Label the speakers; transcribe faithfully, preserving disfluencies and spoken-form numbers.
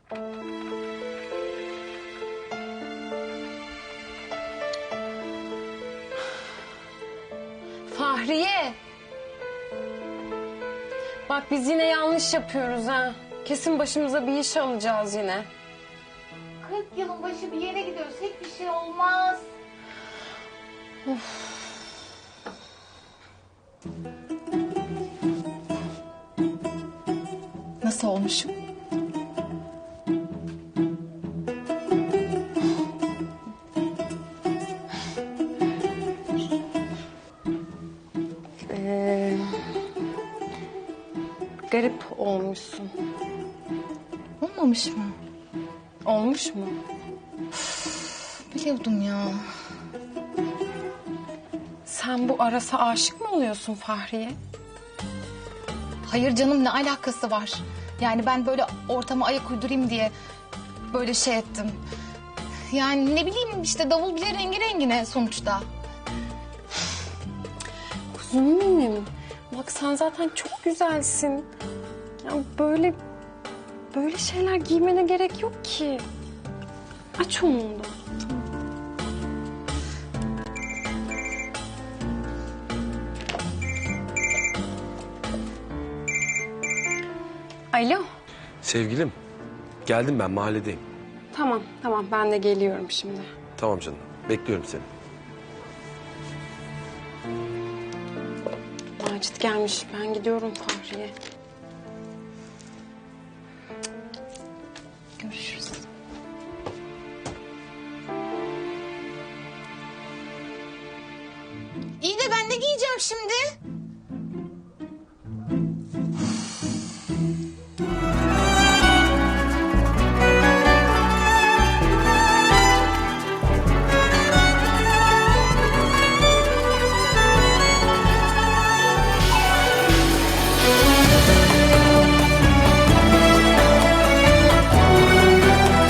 Speaker 1: Fahriye. Bak biz yine yanlış yapıyoruz ha. Kesin başımıza bir iş alacağız yine.
Speaker 2: kırk yılın başı bir yere gidiyoruz. Hiçbir şey olmaz.
Speaker 1: Of.
Speaker 2: Nasıl olmuşum?
Speaker 1: Ee, garip olmuşsun.
Speaker 2: Olmamış mı?
Speaker 1: Olmuş mu?
Speaker 2: Biliyordum ya.
Speaker 1: Sen bu Aras'a aşık mı oluyorsun Fahriye?
Speaker 2: Hayır canım, ne alakası var? Yani ben böyle ortama ayak uydurayım diye böyle şey ettim. Yani ne bileyim işte, davul bile rengi rengine sonuçta.
Speaker 1: Kuzum benim. Bak sen zaten çok güzelsin. Ya böyle böyle şeyler giymene gerek yok ki. Aç onu da. Alo.
Speaker 3: Sevgilim, geldim ben mahalledeyim.
Speaker 1: Tamam tamam ben de geliyorum şimdi.
Speaker 3: Tamam canım, bekliyorum seni.
Speaker 1: Macit gelmiş, ben gidiyorum Fahriye.
Speaker 2: Görüşürüz. İyi de ben ne giyeceğim şimdi?